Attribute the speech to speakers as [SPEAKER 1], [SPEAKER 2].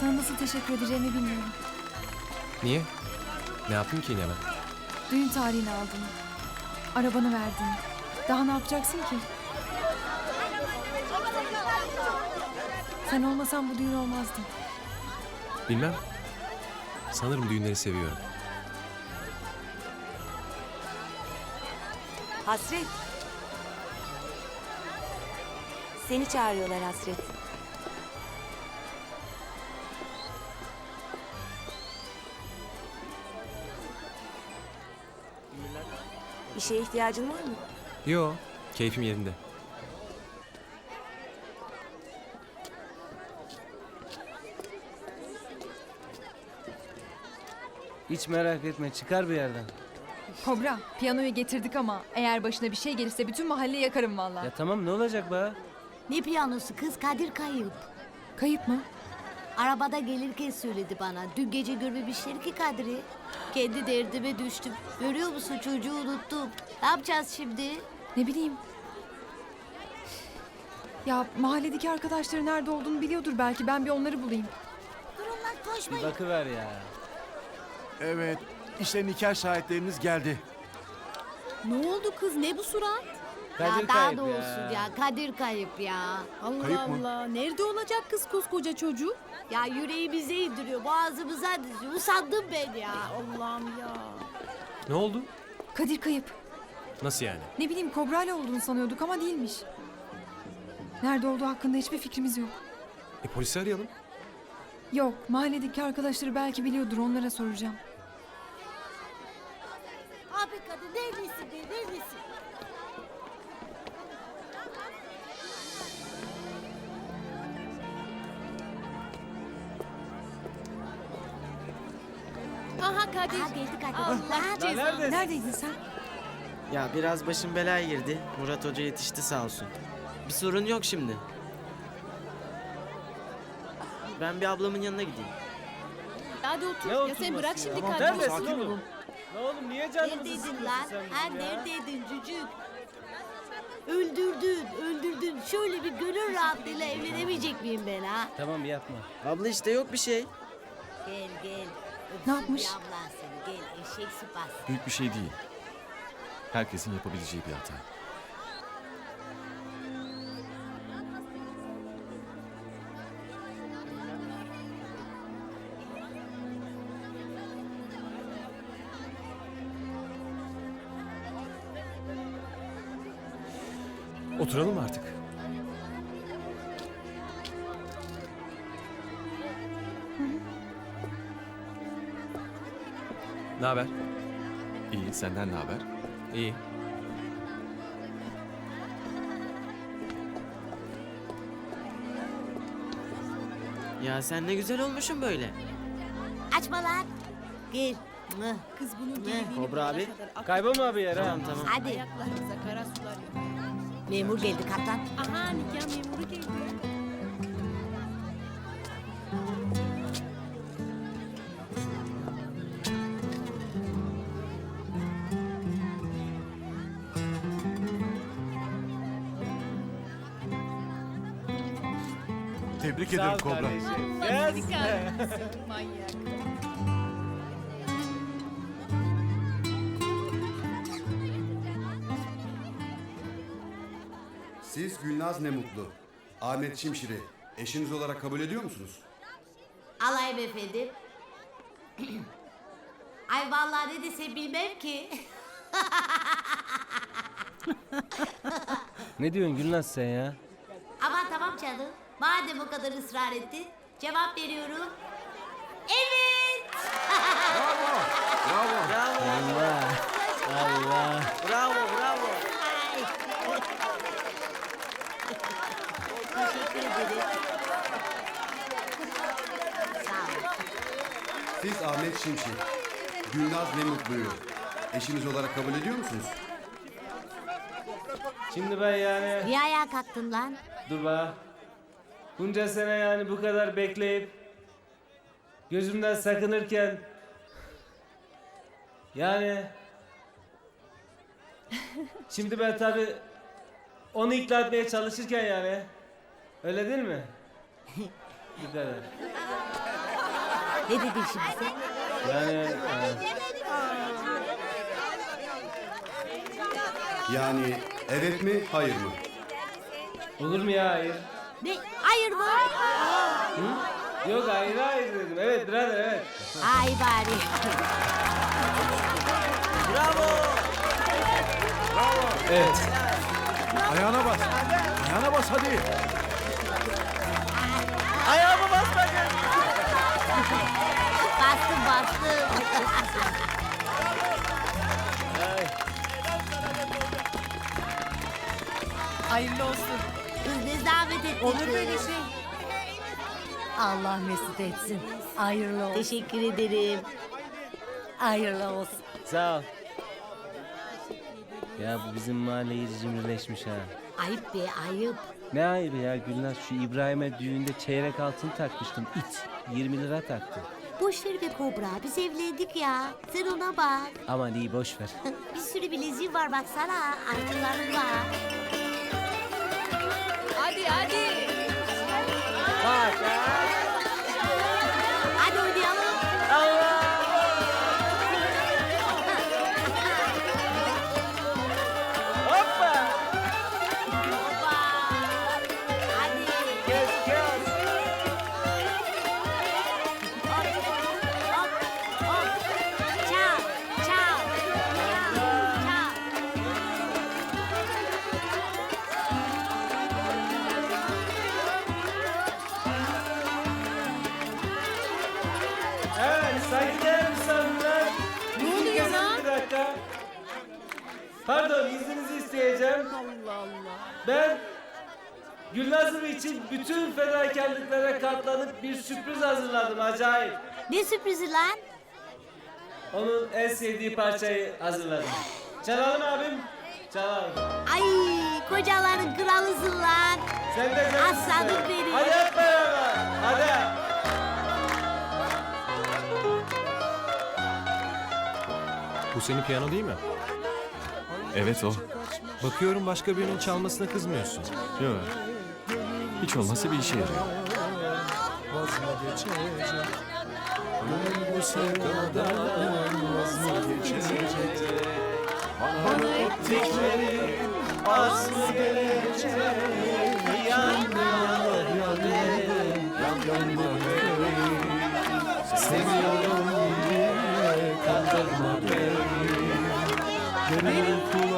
[SPEAKER 1] Sana nasıl teşekkür edeceğimi bilmiyorum.
[SPEAKER 2] Niye? Ne yaptın ki yine ben?
[SPEAKER 1] Düğün tarihini aldın. Arabanı verdin. Daha ne yapacaksın ki? Sen olmasan bu düğün olmazdı.
[SPEAKER 2] Bilmem. Sanırım düğünleri seviyorum.
[SPEAKER 3] Hasret. Seni çağırıyorlar Hasret. Bir şeye ihtiyacın var mı?
[SPEAKER 2] Yo, keyfim yerinde.
[SPEAKER 4] Hiç merak etme, çıkar bir yerden.
[SPEAKER 1] Kobra, piyanoyu getirdik ama eğer başına bir şey gelirse bütün mahalleyi yakarım vallahi.
[SPEAKER 4] Ya tamam, ne olacak be?
[SPEAKER 5] Ne piyanosu kız, Kadir kayıp.
[SPEAKER 1] Kayıp mı?
[SPEAKER 5] Arabada gelirken söyledi bana. Dün gece görmemişler ki Kadir'i. Kendi derdime düştüm. Görüyor musun, çocuğu unuttum. Ne yapacağız şimdi?
[SPEAKER 1] Ne bileyim. Ya mahalledeki arkadaşları nerede olduğunu biliyordur belki. Ben bir onları bulayım.
[SPEAKER 5] Durun lan,
[SPEAKER 4] Bir
[SPEAKER 5] koşmayın.
[SPEAKER 4] bakıver ya.
[SPEAKER 6] Evet, işte nikah şahitlerimiz geldi.
[SPEAKER 7] Ne oldu kız? Ne bu surat?
[SPEAKER 4] Kadir
[SPEAKER 5] Ya daha
[SPEAKER 4] kayıp
[SPEAKER 5] doğrusu ya, Kadir kayıp ya.
[SPEAKER 7] Allah
[SPEAKER 6] Kayıp mı?
[SPEAKER 7] Allah. Nerede olacak kız koskoca çocuk?
[SPEAKER 5] Ya yüreğimize indiriyor, boğazımıza diziyor. Usandım ben ya.
[SPEAKER 7] Allah'ım ya.
[SPEAKER 2] Ne oldu?
[SPEAKER 1] Kadir kayıp.
[SPEAKER 2] Nasıl yani?
[SPEAKER 1] Ne bileyim Kobra'yla olduğunu sanıyorduk ama değilmiş. Nerede olduğu hakkında hiçbir fikrimiz yok.
[SPEAKER 2] Polisi arayalım.
[SPEAKER 1] Yok, mahalledeki arkadaşları belki biliyordur, onlara soracağım.
[SPEAKER 5] Abi kadın, neredesin be, neredesin?
[SPEAKER 7] Aha Kadir.
[SPEAKER 5] Aha geldi Kadir.
[SPEAKER 7] Allah cezanı.
[SPEAKER 4] Neredesin?
[SPEAKER 1] Neredeydin sen?
[SPEAKER 8] Ya biraz başım belaya girdi. Murat Hoca yetişti sağ olsun. Bir sorun yok şimdi. Ben bir ablamın yanına gideyim.
[SPEAKER 7] Hadi otur.
[SPEAKER 4] Ne
[SPEAKER 7] Ya
[SPEAKER 4] oturması
[SPEAKER 7] sen bırak
[SPEAKER 4] ya?
[SPEAKER 7] şimdi
[SPEAKER 4] Tamam,
[SPEAKER 7] Kadir'i.
[SPEAKER 4] neredesin oğlum? Ne oğlum, niye canımızı
[SPEAKER 5] Neredeydin
[SPEAKER 4] sıkıyorsun
[SPEAKER 5] lan?
[SPEAKER 4] sen
[SPEAKER 5] Ha
[SPEAKER 4] bizim ya?
[SPEAKER 5] neredeydin cücük? Öldürdün, öldürdün. Şöyle bir gönül rahatlığıyla evlenemeyecek miyim ben ha?
[SPEAKER 4] Tamam, yapma.
[SPEAKER 8] Abla işte yok bir şey.
[SPEAKER 5] Gel gel.
[SPEAKER 1] Ne yapmış?
[SPEAKER 5] Bir ablan seni, gel eşek sıpası.
[SPEAKER 6] Büyük bir şey değil. Herkesin yapabileceği bir hata.
[SPEAKER 2] Oturalım mı artık? Ne haber?
[SPEAKER 6] İyi, senden ne haber?
[SPEAKER 2] İyi.
[SPEAKER 8] Ya sen ne güzel olmuşsun böyle.
[SPEAKER 5] Açma lan. Gel. Mıh.
[SPEAKER 7] Kız bunun
[SPEAKER 5] Ne?
[SPEAKER 7] geldiğini
[SPEAKER 8] Kobra abi.
[SPEAKER 7] bulana kadar
[SPEAKER 4] Kaybolma bir yere ha.
[SPEAKER 8] Tamam tamam.
[SPEAKER 5] Hadi.
[SPEAKER 7] Ayaklarımıza kara sular yok.
[SPEAKER 5] Memur geldi kaptan.
[SPEAKER 7] Aha nikah memuru geldi.
[SPEAKER 6] Tebrik
[SPEAKER 4] Sağ ol
[SPEAKER 6] ederim Kobra.
[SPEAKER 4] kardeşim.
[SPEAKER 7] Allah
[SPEAKER 4] Yes.
[SPEAKER 7] seni kahretsin manyak.
[SPEAKER 9] Siz Gülnaz ne mutlu. Ahmet Şimşir'i eşiniz olarak kabul ediyor musunuz?
[SPEAKER 5] Alayım efendim. Ay vallahi ne desem bilmem ki.
[SPEAKER 4] Ne diyorsun Gülnaz sen ya?
[SPEAKER 5] Aman tamam canım. Madem o kadar ısrar ettin, cevap veriyorum. Evet.
[SPEAKER 8] Bravo.
[SPEAKER 4] Allah. Allah.
[SPEAKER 8] Bravo bravo.
[SPEAKER 5] Ay. Teşekkür ederim. Sağ ol.
[SPEAKER 9] Siz Ahmet Şimşir, Gülnaz ne mutluyu eşiniz olarak kabul ediyor musunuz?
[SPEAKER 4] Şimdi ben yani...
[SPEAKER 5] Niye ayağa kalktın lan?
[SPEAKER 4] Dur be. Bunca sene yani bu kadar bekleyip... Gözümden sakınırken... Yani... Şimdi ben tabii... Onu ikna etmeye çalışırken yani... Öyle değil mi? Bu kadar.
[SPEAKER 5] Ne dedin şimdi sen?
[SPEAKER 9] Yani evet mi, hayır mı?
[SPEAKER 4] Olur mu ya hayır?
[SPEAKER 5] Ne? Hayır mı?
[SPEAKER 4] Yok hayır hayır dedim. Evet birader evet.
[SPEAKER 5] Ay bari.
[SPEAKER 2] Evet.
[SPEAKER 6] Ayağına bas. Ayağına bas hadi.
[SPEAKER 5] Bastım.
[SPEAKER 1] Hayırlı olsun.
[SPEAKER 5] Kız ne zahmet ettin.
[SPEAKER 1] Olur böyle şey.
[SPEAKER 5] Allah mesut etsin. Hayırlı olsun. Teşekkür ederim. Hayırlı olsun.
[SPEAKER 4] Sağ ol. Ya bu bizim mahalle iyice cimrileşmiş ha.
[SPEAKER 5] Ayıp be ayıp.
[SPEAKER 4] Ne ayıbı ya Gülnaz, şu İbrahim'e düğünde çeyrek altın takmıştım. İt 20 lira taktı.
[SPEAKER 5] Boş ver be Kobra. Biz evlendik ya. Sen ona bak.
[SPEAKER 4] Aman iyi boş ver.
[SPEAKER 5] Bir sürü bileziğim var baksana. Altınlarım var.
[SPEAKER 7] Hadi hadi.
[SPEAKER 5] Hadi oynayalım. Hoppa. Hadi. Hop, hop. Çal, çal. Çal.
[SPEAKER 4] Evet saygıdeğer misafirler.
[SPEAKER 7] Ne oluyor lan?
[SPEAKER 4] Bir dakika. Pardon izninizi isteyeceğim.
[SPEAKER 7] Allah Allah.
[SPEAKER 4] Ben Gülnaz'ım için bütün fedakarlıklara katlanıp bir sürpriz hazırladım acayip.
[SPEAKER 5] Ne sürprizi lan?
[SPEAKER 4] Onun en sevdiği parçayı hazırladım. Çalalım abim. Çalalım.
[SPEAKER 5] Ay kocaların kralısın lan.
[SPEAKER 4] Sen de canım.
[SPEAKER 5] Aslanım benim.
[SPEAKER 4] Hadi hep beraber. Hadi.
[SPEAKER 2] Bu senin piyano değil mi?
[SPEAKER 6] Evet o.
[SPEAKER 2] Bakıyorum başka birinin çalmasına kızmıyorsun.
[SPEAKER 6] Yok. Hiç olmazsa bir işe yarıyor.
[SPEAKER 2] Seviyorum diye kandırma beni. Gönül